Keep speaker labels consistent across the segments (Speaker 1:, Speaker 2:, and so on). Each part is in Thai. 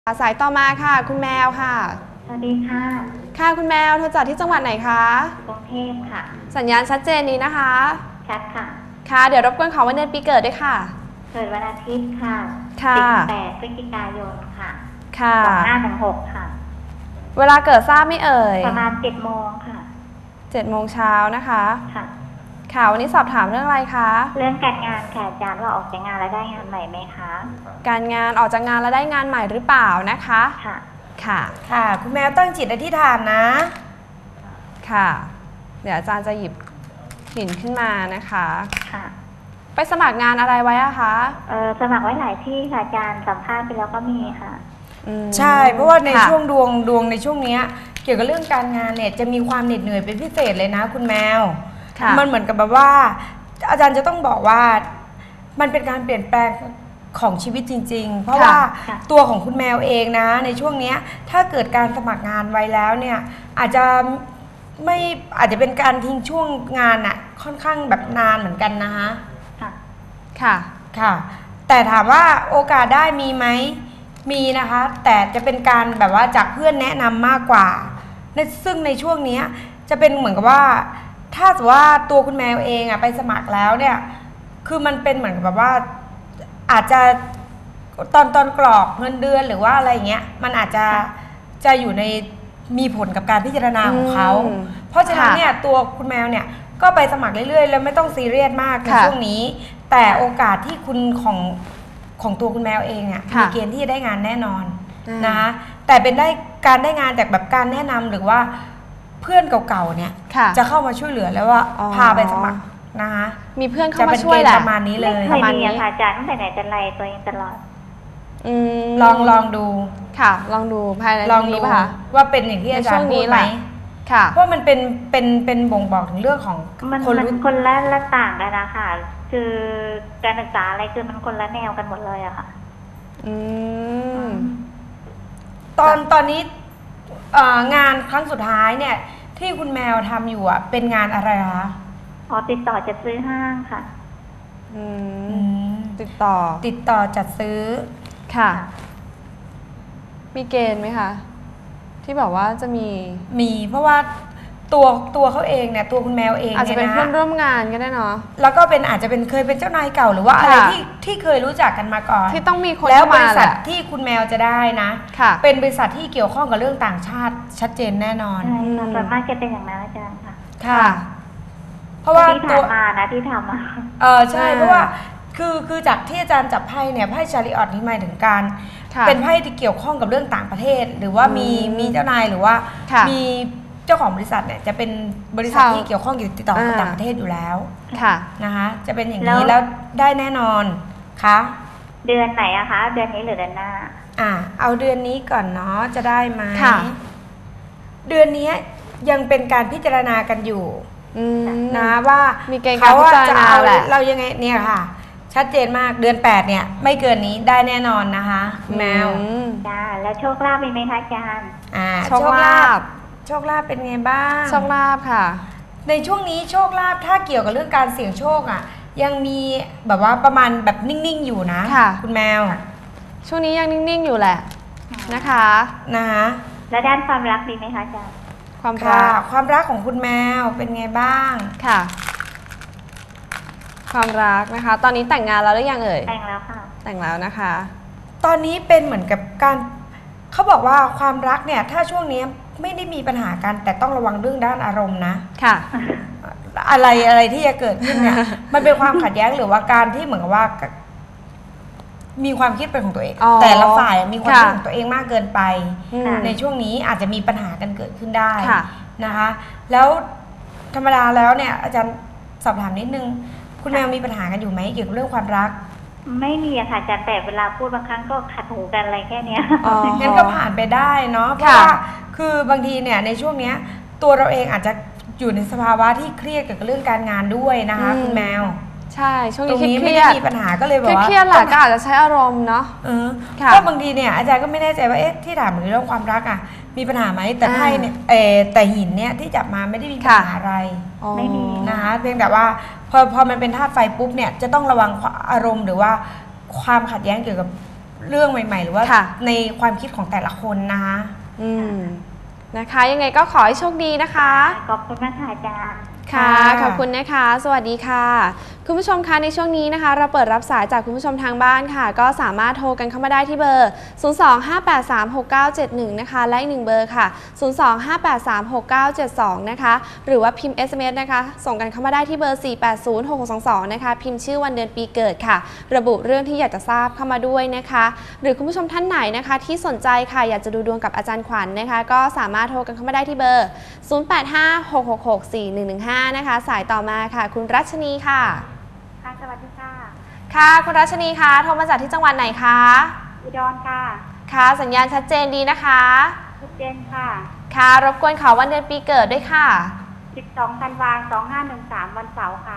Speaker 1: สายต่อมาค่ะคุณแมวค่ะ
Speaker 2: สวัสดีค่ะ
Speaker 1: ค่ะคุณแมวโทรจากที่จังหวัดไหนคะ
Speaker 2: กรุงเทพค่ะ
Speaker 1: สัญญาณชัดเจนนี้นะคะ
Speaker 2: ชัดค่ะ
Speaker 1: ค่ะเดี๋ยวรบกวนขอวันเดือนปีเกิดด้วยค่ะ
Speaker 2: เกิดวันอาทิตย์ค่ะ18 พฤศจิกายนค่ะ
Speaker 1: ค่ะ
Speaker 2: 2516ค่ะ
Speaker 1: เวลาเกิดทราบไม่เอ่ย
Speaker 2: ประมาณ7 โมงค่ะ
Speaker 1: 7 โมงเช้านะคะ
Speaker 2: ค่ะ
Speaker 1: ค่ะวันนี้สอบถามเรื่องอะไรคะ
Speaker 2: เรื่องการงานค่ะอาจารย์ว่าออกจากงานแล้วได้งานใหม่ไหมคะ
Speaker 1: การงานออกจากงานแล้วได้งานใหม่หรือเปล่านะคะ
Speaker 2: ค่ะ
Speaker 1: ค่ะ
Speaker 3: คุณแมวตั้งจิตอธิษฐานนะ
Speaker 1: ค่ะเดี๋ยวอาจารย์จะหยิบหินขึ้นมานะคะ
Speaker 2: ค่ะ
Speaker 1: ไปสมัครงานอะไรไว้อะคะ
Speaker 2: สมัครไว้หลายที่ค่ะอาจารย์สัมภาษณ์ไปแล้วก็มีค่ะ
Speaker 3: ใช่เพราะว่าในช่วงดวงในช่วงนี้เกี่ยวกับเรื่องการงานเนี่ยจะมีความเหน็ดเหนื่อยเป็นพิเศษเลยนะคุณแมวมันเหมือนกับแบบว่าอาจารย์จะต้องบอกว่ามันเป็นการเปลี่ยนแปลงของชีวิตจริงๆเพราะว่าตัวของคุณแมวเองนะในช่วงนี้ถ้าเกิดการสมัครงานไว้แล้วเนี่ยอาจจะเป็นการทิ้งช่วงงานอะค่อนข้างแบบนานเหมือนกันนะคะค่ะแต่ถามว่าโอกาสได้มีไหมมีนะคะแต่จะเป็นการแบบว่าจากเพื่อนแนะนำมากกว่าซึ่งในช่วงนี้จะเป็นเหมือนกับว่าถ้าสมมติว่าตัวคุณแมวเองอะไปสมัครแล้วเนี่ยคือมันเป็นเหมือนกับแบบว่าอาจจะตอนกรอกเงินเดือนหรือว่าอะไรอย่างเงี้ยมันอาจจะอยู่ในมีผลกับการพิจารณาของเขาเพราะฉะนั้นเนี่ยตัวคุณแมวเนี่ยก็ไปสมัครเรื่อยๆแล้วไม่ต้องซีเรียสมากในช่วงนี้แต่โอกาสที่คุณของตัวคุณแมวเองอ่ะมีเกณฑ์ที่จะได้งานแน่นอนนะคะแต่เป็นการได้งานจากแบบการแนะนำหรือว่าเพื่อนเก่าๆเนี่ยจะเข้ามาช่วยเหลือแล้วว่าพาไปสมัครนะคะ
Speaker 1: มีเพื่อนเข้ามาช่วยแหละ
Speaker 3: ประมาณนี้เลย
Speaker 2: ประมาณนี้ค่ะอาจารย์ตั้งแต่ไหนแต่ไรตัวเองตลอด
Speaker 3: ลองดู
Speaker 1: ค่ะลองดูภายในนี้ป่ะคะ
Speaker 3: ว่าเป็นอย่างที่อาจารย์พูดไหม
Speaker 1: ค่ะ
Speaker 3: เพราะมันเป็นบ่งบอกถึงเรื่องของ
Speaker 2: คนละต่างกันนะคะคือการศึกษาอะไรคือมันคนละแนวกันหมดเลยอะค่ะ
Speaker 3: ตอนนี้งานครั้งสุดท้ายเนี่ยที่คุณแมวทำอยู่อะเป็นงานอะไรคะ
Speaker 2: ติดต่อจัดซื้อห้างค่ะ
Speaker 1: ติดต่อ
Speaker 3: จัดซื้อ
Speaker 1: ค่ะมีเกณฑ์ไหมคะที่บอกว่าจะ
Speaker 3: มีเพราะว่าตัวเขาเองเนี่ยตัวคุณแมวเอง
Speaker 1: อาจจะเป็นเพื่อนร่วมงานก็ได้เนาะ
Speaker 3: แล้วก็อาจจะเป็นเคยเป็นเจ้านายเก่าหรือว่าอะไรที่เคยรู้จักกันมาก่อน
Speaker 1: ที่ต้องมีคน
Speaker 3: แล้วบริษัทที่คุณแมวจะได้นะเป็นบริษัทที่เกี่ยวข้องกับเรื่องต่างชาติชัดเจนแน่นอน
Speaker 2: ส่วนมากจะเป็นอย่างนั้นอาจารย์
Speaker 3: ค่ะเพราะว่า
Speaker 2: ที่ผ่านมานะที่ทำมา
Speaker 3: ใช่เพราะว่าคือจากที่อาจารย์จับไพ่เนี่ยไพ่ชาริออตนี่หมายถึงการเป็นไพ่ที่เกี่ยวข้องกับเรื่องต่างประเทศหรือว่ามีเจ้านายหรือว่ามีเจ้าของบริษัทเนี่ยจะเป็นบริษัทที่เกี่ยวข้องติดต่อกับต่างประเทศอยู่แล้วนะคะจะเป็นอย่างนี้แล้วได้แน่นอนค่ะ
Speaker 2: เดือนไหนอะคะเดือนนี้หรือเดือนหน้า
Speaker 3: เอาเดือนนี้ก่อนเนาะจะได้ไหมเดือนนี้ยังเป็นการพิจารณากันอยู่นะว่า
Speaker 1: เขา
Speaker 3: จะเอาเรายังไงเนี่ยค่ะชัดเจนมากเดือน8เนี่ยไม่เกินนี้ได้แน่นอนนะคะแมว
Speaker 2: จ้าแล้วโชคลาภมีไหมคะอาจารย์
Speaker 1: โชคลาภ
Speaker 3: เป็นไงบ้าง
Speaker 1: โชคลาภค่ะ
Speaker 3: ในช่วงนี้โชคลาภถ้าเกี่ยวกับเรื่องการเสี่ยงโชคยังมีแบบว่าประมาณแบบนิ่งๆอยู่นะคุณแมว
Speaker 1: ช่วงนี้ยังนิ่งๆอยู่แหละนะคะ
Speaker 2: แล้วด้านความรักดีไหมคะอาจารย์
Speaker 3: ความรักของคุณแมวเป็นไงบ้าง
Speaker 1: ค่ะความรักนะคะตอนนี้แต่งงานแล้วหรือยังเอ่ย
Speaker 2: แต่งแล้วค่ะ
Speaker 1: แต่งแล้วนะคะ
Speaker 3: ตอนนี้เป็นเหมือนกับการเขาบอกว่าความรักเนี่ยถ้าช่วงนี้ไม่ได้มีปัญหากันแต่ต้องระวังเรื่องด้านอารมณ์นะ
Speaker 1: ค่ะ
Speaker 3: อะไรที่จะเกิดขึ้นเนี่ยมันเป็นความขัดแย้งหรือว่าการที่เหมือนกับว่ามีความคิดเป็นของตัวเองแต่ละฝ่ายมีความคิดของตัวเองมากเกินไปในช่วงนี้อาจจะมีปัญหากันเกิดขึ้นได้นะคะแล้วธรรมดาแล้วเนี่ยอาจารย์สอบถามนิดนึงคุณแมวมีปัญหากันอยู่ไหมเกี่ยวกับเรื่องความรัก
Speaker 2: ไม่มีค่ะอาจารย์แต่เวลาพูดบางครั้งก็ขัดหูกันอะไรแค่นี้
Speaker 3: งั้นก็ผ่านไปได้เนาะเพราะว่าคือบางทีเนี่ยในช่วงนี้ตัวเราเองอาจจะอยู่ในสภาวะที่เครียดเกี่ยวกับเรื่องการงานด้วยนะคะคุณแมว
Speaker 1: ใช่ช่วงนี้
Speaker 3: ไม่ได้มีปัญหาก็เลยบอกว่า
Speaker 1: เครียดแหละก็อาจจะใช้อารมณ์เนาะ
Speaker 3: ก็บางทีเนี่ยอาจารย์ก็ไม่แน่ใจว่าที่ถามเรื่องความรักมีปัญหาไหมแต่ไพ่เนี่ยแต่หินเนี่ยที่จับมาไม่ได้มีปัญหาอะไร
Speaker 2: ไม่มี
Speaker 3: นะคะเพียงแต่ว่าพอมันเป็นธาตุไฟปุ๊บเนี่ยจะต้องระวังอารมณ์หรือว่าความขัดแย้งเกี่ยวกับเรื่องใหม่ ๆ หรือว่า
Speaker 1: ค่ะ
Speaker 3: ในความคิดของแต่ละคนนะคะ
Speaker 1: อืมนะคะยังไงก็ขอให้โชคดีนะคะ
Speaker 2: ขอบคุณมากค่ะอาจารย์
Speaker 1: ค่ะ
Speaker 3: ค่ะ
Speaker 1: ขอบคุณนะคะ สวัสดีค่ะ คุณผู้ชมคะในช่วงนี้นะคะ เราเปิดรับสายจากคุณผู้ชมทางบ้านค่ะ ก็สามารถโทรกันเข้ามาได้ที่เบอร์ 025836971 นะคะ และอีก1เบอร์ค่ะ 025836972 นะคะ หรือว่าพิมพ์ SMS นะคะ ส่งกันเข้ามาได้ที่เบอร์ 4806622 นะคะ พิมพ์ชื่อวันเดือนปีเกิดค่ะ ระบุเรื่องที่อยากจะทราบเข้ามาด้วยนะคะ หรือคุณผู้ชมท่านไหนนะคะที่สนใจค่ะอยากจะดูดวงกับอาจารย์ขวัญนะคะ ก็สามารถโทรกันเข้ามาได้ที่เบอร์ 0856664115 นะคะ สายต่อมาค่ะ คุณรัชนีค่ะ
Speaker 2: ค่ะสวัสดีค่ะ
Speaker 1: ค่ะ คุณรัชนีคะโทรมาจากที่จังหวัดไหนคะ
Speaker 2: อุดรค่ะ
Speaker 1: ค่ะ สัญญาณชัดเจนดีนะคะ
Speaker 2: ทุกเจนค่ะ
Speaker 1: ค่ะ รบกวนขอวันเดือนปีเกิดด้วยค่ะ
Speaker 2: 12 ธันวาคม 2513 วันเสาร์ค่ะ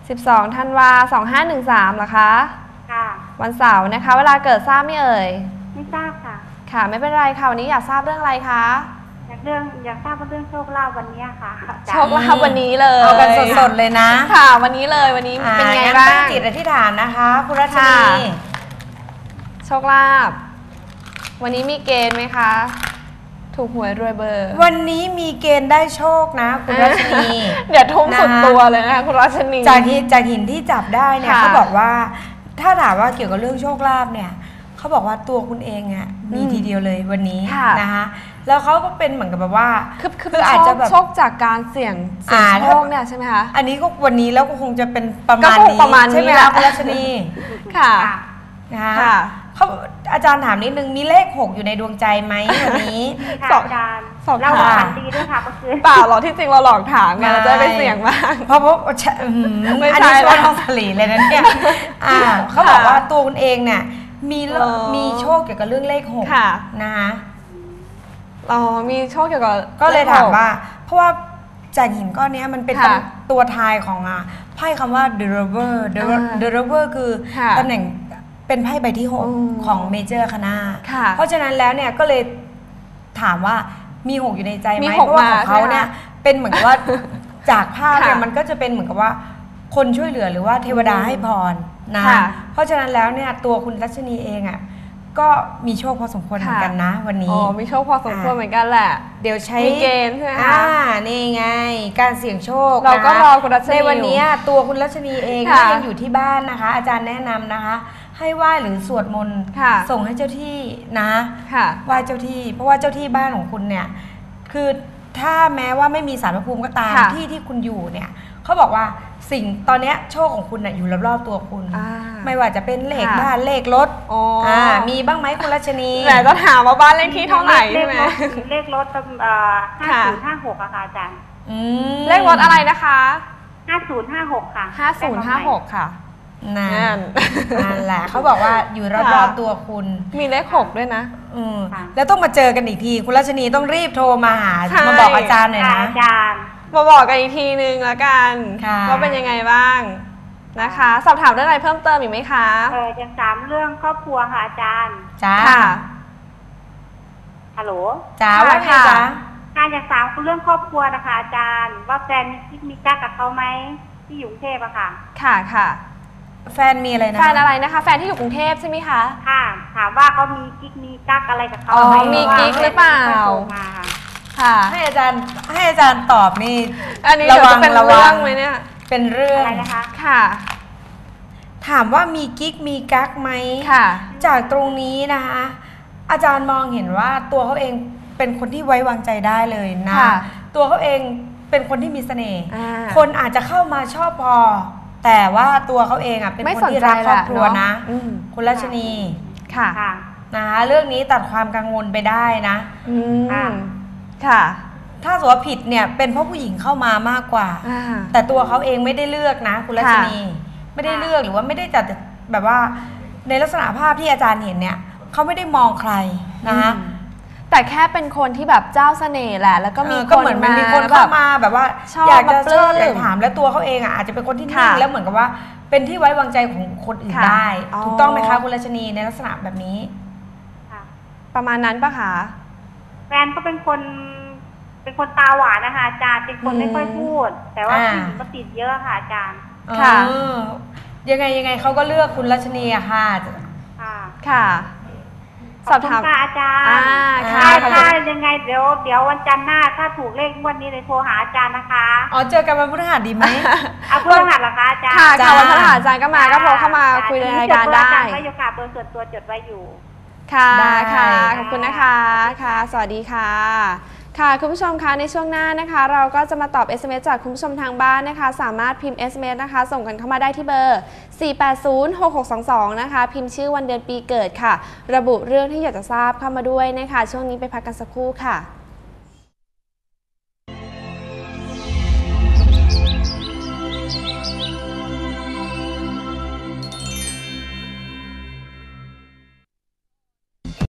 Speaker 1: 12 ธันวาคม 2513เหรอคะ
Speaker 2: ค่ะ
Speaker 1: วันเสาร์นะคะ เวลาเกิดทราบไหม่เอ่ย
Speaker 2: ไม่ทราบค่ะ
Speaker 1: ค่ะ ไม่เป็นไรค่ะ วันนี้อยากทราบเรื่องอะไรคะ
Speaker 2: อยากทราบว่าเรื่องโชคลาภวันนี้ค่ะอาจารย์
Speaker 1: โชคลาภวันนี้เลย
Speaker 3: เอากันสดๆเลยนะ
Speaker 1: ค่ะ วันนี้เลยวันนี้เป็นไง
Speaker 3: งั้
Speaker 1: บ้า
Speaker 3: ตั้
Speaker 1: ง
Speaker 3: จิตอธิษฐานนะคะคุณรัชนี
Speaker 1: ค่ะ โชคลาภวันนี้มีเกณฑ์ไหมคะ ถูกหวยรวยเบอร์
Speaker 3: วันนี้มีเกณฑ์ได้โชคนะคุณรัชนี
Speaker 1: เดี๋ยวทุ่มสุด
Speaker 3: นะคะ
Speaker 1: ตัวเลยนะคะคุณรัชนี
Speaker 3: จากหินที่จับได้เนี่ย
Speaker 1: ค่ะ
Speaker 3: เขาบอกว่าถ้าถามว่าเกี่ยวกับเรื่องโชคลาภเนี่ยเขาบอกว่าตัวคุณเองอ่ะมีทีเดียวเลยวันนี้
Speaker 1: ค่ะ
Speaker 3: นะคะแล้วเขาก็เป็นเหมือนกับแบบว่า
Speaker 1: คือ
Speaker 3: อาจจะแบบ
Speaker 1: โชคจากการเสี่ยงโชคเนี่ยใช่ไหมคะ
Speaker 3: อันนี้ก็วันนี้แล้วก็คงจะเป็นประมาณ
Speaker 1: ก็คง
Speaker 3: นี้
Speaker 1: ประมาณนี้
Speaker 3: ใช่ไหม
Speaker 1: แห
Speaker 3: คะ
Speaker 1: ละ
Speaker 3: คุณรัชนี
Speaker 1: ค่ะ
Speaker 3: นะคะ
Speaker 1: ค่ะ
Speaker 3: เขาอาจารย์ถามนิดนึงมีเลข 6 อยู่ในดวงใจไหมวันนี้
Speaker 2: ค่ะ
Speaker 1: สอบ
Speaker 2: อาจารย์
Speaker 1: สอบ
Speaker 2: เรา
Speaker 1: ถาม
Speaker 2: ฝันดีด้วยค่ะเมื่อคืน
Speaker 1: เปล่าหรอกที่จริงเราหลอกถามไงเราจะได้ไปเสี่ยงบ้าง
Speaker 3: เพราะ
Speaker 1: ไม่ใช่
Speaker 3: อันนี้ช่วย
Speaker 1: แล้ว
Speaker 3: น้องสลีเลยนะเนี่ยเขาบอกว่าตัวคุณเองเนี่ยมีโชคเกี่ยวกับเรื่องเลข
Speaker 1: ค่ะ
Speaker 3: 6นะคะ
Speaker 1: อ๋อมีโชคเกี่ยวกับ
Speaker 3: ก็เลยถามว่า
Speaker 1: ลข
Speaker 3: เพราะว่าจากหินก้อนเนี้ยมันเป็น
Speaker 1: ค่ะ
Speaker 3: ตัวทายของไพ่คำว่า the river the river คือ
Speaker 1: ค่ะ
Speaker 3: ตำแหน่งเป็นไพ่ใบที่
Speaker 1: อืม
Speaker 3: 6 ของเมเจอร์คณะ
Speaker 1: ค่ะ
Speaker 3: เพราะฉะนั้นแล้วเนี่ยก็เลยถามว่ามี 6 อยู่ในใจไห
Speaker 1: มี
Speaker 3: ม
Speaker 1: หก
Speaker 3: เพราะว่าของ
Speaker 1: มา
Speaker 3: เขา
Speaker 1: ใช่ไหม
Speaker 3: เนี่ยเป็นเหมือนกับว่า จากภาพเนี่ย
Speaker 1: ค่ะ
Speaker 3: มันก็จะเป็นเหมือนกับว่าคนช่วยเหลือหรือว่าเทวดาให้พรนะ
Speaker 1: ค่ะ
Speaker 3: เพราะฉะนั้นแล้วเนี่ยตัวคุณรัชนีเองอ่ะก็มีโชคพอสมควรเหมือนกันนะ วัน
Speaker 1: อ๋
Speaker 3: นี้
Speaker 1: อมีโชคพอสมควรเหมือนกันแหละ
Speaker 3: เดี๋ยวใช้
Speaker 1: มีเกณฑ์ใช่ไหมคะ
Speaker 3: นี่ไง การเสี่ยงโชค
Speaker 1: เราก็
Speaker 3: นะ
Speaker 1: รอคุณรัชนี
Speaker 3: ในวัน
Speaker 1: อยู่
Speaker 3: นี้ตัวคุณรัชนีเอง
Speaker 1: ค่ะ
Speaker 3: ถ้ายังอยู่ที่บ้านนะคะ อาจารย์แนะนำนะคะ ให้ไหว้หรือสวดมนต์
Speaker 1: ค่ะ
Speaker 3: ส่งให้เจ้าที่นะ
Speaker 1: ค่ะ
Speaker 3: ไหว้เจ้าที่ เพราะว่าเจ้าที่บ้านของคุณเนี่ยคือถ้าแม้ว่าไม่มีศาลพระภูมิก็ตาม
Speaker 1: ค่ะ
Speaker 3: ที่คุณอยู่เนี่ยเขาบอกว่าสิ่งตอนเนี้ยโชคของคุณน่ะอยู่รอบๆตัวคุณ
Speaker 1: อ่า
Speaker 3: ไม่ว่าจะเป็นเลข
Speaker 1: ค่ะ
Speaker 3: บ้านเลขรถ
Speaker 1: อ๋ออ่
Speaker 3: มีบ้างไหมคุณรัชนี
Speaker 1: แต่ก็ถามว่าบ้านเลขที่เท่าไหร่ใช่ไหม
Speaker 2: เลขรถ
Speaker 1: ค่ะ
Speaker 2: 5056อะค่ะอาจารย์
Speaker 3: อืม
Speaker 1: เลขรถอะไรนะคะ
Speaker 2: 5056 ค่ะ
Speaker 1: 5056 ค่ะ
Speaker 3: นั่
Speaker 1: นั่
Speaker 3: น
Speaker 1: น
Speaker 3: นั่นแหละเขาบอกว่าอยู่รอบๆตัวคุณ
Speaker 1: มีเลข6ด้วยนะ
Speaker 3: อืมแล้วต้องมาเจอกันอีกที คุณรัชนีต้องรีบโทรมาหา
Speaker 1: ใช่
Speaker 3: มาบอกอาจารย์หน่อย
Speaker 2: ค่ะ
Speaker 3: นะ
Speaker 2: อาจารย์
Speaker 1: มาบอกกันอีกทีนึงแล้วกัน
Speaker 3: ค่ะ
Speaker 1: ว่าเป็นยังไงบ้างนะคะ สอบถามเรื่องอะไรเพิ่มเติมอีกไหมคะ
Speaker 2: ยังถามเรื่องครอบครัวค่ะอาจารย์
Speaker 3: จ้า
Speaker 1: ค่ะ
Speaker 2: ฮัลโหล
Speaker 3: จ้า
Speaker 1: ค่ะ
Speaker 3: ว่าไง
Speaker 1: ค่ะ
Speaker 3: จ๊ะ
Speaker 2: การอยากถามเรื่องครอบครัวนะคะอาจารย์ ว่าแฟนมีกิ๊กมีกั๊กกับเขาไหมที่อยู่กรุงเทพอะค่ะ
Speaker 1: ค่ะค่ะ
Speaker 3: แฟนมีอะไรนะ
Speaker 1: แฟนอะไรนะคะ แฟนที่อยู่กรุงเทพใช่ไหมคะ
Speaker 2: ค่ะ ถามว่าเขามีกิ๊กมีกั๊กอะไรกับเขา
Speaker 1: อ๋อ
Speaker 2: ไหม
Speaker 1: มีกิ๊กหรือเปล่า
Speaker 2: พะว่แฟนไม่ค่อยโทรมาค่ะ
Speaker 1: ค่ะ
Speaker 3: ให้อาจารย์ตอบนี่
Speaker 1: อันนี้เดี๋ยวจะเป็น
Speaker 3: ระวั
Speaker 1: เรื่อง งไหมเนี่ย
Speaker 3: เป็นเรื่อง
Speaker 2: อะไรนะคะ
Speaker 1: ค่ะ
Speaker 3: ถามว่ามีกิ๊กมีกั๊กไหม
Speaker 1: ค่ะ
Speaker 3: จากตรงนี้นะคะ อาจารย์มองเห็นว่าตัวเขาเองเป็นคนที่ไว้วางใจได้เลยนะ
Speaker 1: ค่ะ
Speaker 3: ตัวเขาเองเป็นคนที่มีเสน่ห์
Speaker 1: อ่า
Speaker 3: คนอาจจะเข้ามาชอบพอ แต่ว่าตัวเขาเองอ่ะเป็น
Speaker 1: ไม่
Speaker 3: คน
Speaker 1: สน
Speaker 3: ที่
Speaker 1: ใจ
Speaker 3: รักครอบครัว
Speaker 1: แหละ
Speaker 3: นะ
Speaker 1: อืม
Speaker 3: คุณรัชนี
Speaker 1: ค่ะ
Speaker 2: ค่ะ
Speaker 3: นะคะเรื่องนี้ตัดความกังวลไปได้นะ
Speaker 1: อื
Speaker 2: ค่ะ
Speaker 1: มค่ะ
Speaker 3: ถ้าสมมติว่าผิดเนี่ยเป็นเพราะผู้หญิงเข้ามามากกว่า
Speaker 1: อ่า
Speaker 3: แต่ตัวเขาเองไม่ได้เลือกนะ คุณรัชนี ไม่ได้เลือกหรือว่าไม่ได้จัดแบบว่าในลักษณะภาพที่อาจารย์เห็นเนี่ยเขาไม่ได้มองใครนะคะ
Speaker 1: แต่แค่เป็นคนที่แบบเจ้าเสน่ห์แหละ แล้วก็มี
Speaker 3: ก็เหมือนมันมีคนเข้ามาแบบว่า
Speaker 1: ชอบ
Speaker 3: อยากจะ
Speaker 1: มาปลื้
Speaker 3: ช
Speaker 1: ม
Speaker 3: อบอยากถามแล้วตัวเขาเองอ่ะอาจจะเป็นคนที่นิ่ง
Speaker 1: ค่ะ
Speaker 3: แล้วเหมือนกับว่าเป็นที่ไว้วางใจของคนอื่น
Speaker 1: ค่ะ
Speaker 3: ได้
Speaker 1: อ๋อ
Speaker 3: ถูกต้องไหมคะคุณรัชนีในลักษณะแบบนี้
Speaker 2: ค่ะ
Speaker 1: ประมาณนั้นปะคะ
Speaker 2: แฟนก็เป็นคนตาหวานนะคะอาจารย์ เป็นคนไม่ค่อยพูด แต่ว่า
Speaker 3: อ่า
Speaker 2: ผู้หญิงก็ติดเยอะค่ะอาจารย์
Speaker 1: ค่ะ
Speaker 3: ยังไงเขาก็เลือกคุณรัชนีอะค่ะ
Speaker 2: ค่ะ
Speaker 1: ค่ะสอบถาม
Speaker 2: ขค่ะอาจารย์
Speaker 1: ค่ะ
Speaker 2: ถ้ายังไงเดี๋ยววันจันทร์หน้าถ้าถูกเลขงวดนี้เลยโทรหาอาจารย์นะคะ
Speaker 3: อ๋อเจอกันวันพฤหัสดีไหม
Speaker 2: เอาเพื่อนหัดเหรอคะอาจารย์
Speaker 1: ค่ะ
Speaker 3: จ้า
Speaker 1: ค่ะวันพฤหัสอาจารย์ก็มาก็โทรเข้ามาคุยในรายการได้
Speaker 2: จดเบอร์อาจารย์ไว้อยู่ค่ะเบอร์ส่วนตัวจดไว้อยู่
Speaker 1: ค่ะ
Speaker 3: ได้
Speaker 1: ค่ะขอบคุณนะคะค่ะ สวัสดีค่ะ ค่ะคุณผู้ชมคะในช่วงหน้านะคะ เราก็จะมาตอบ SMS จากคุณผู้ชมทางบ้านนะคะ สามารถพิมพ์ SMS นะคะ ส่งกันเข้ามาได้ที่เบอร์ 4806622 นะคะ พิมพ์ชื่อวันเดือนปีเกิดค่ะ ระบุเรื่องที่อยากจะทราบเข้ามาด้วยนะคะ ช่วงนี้ไปพักกันสักครู่ค่ะ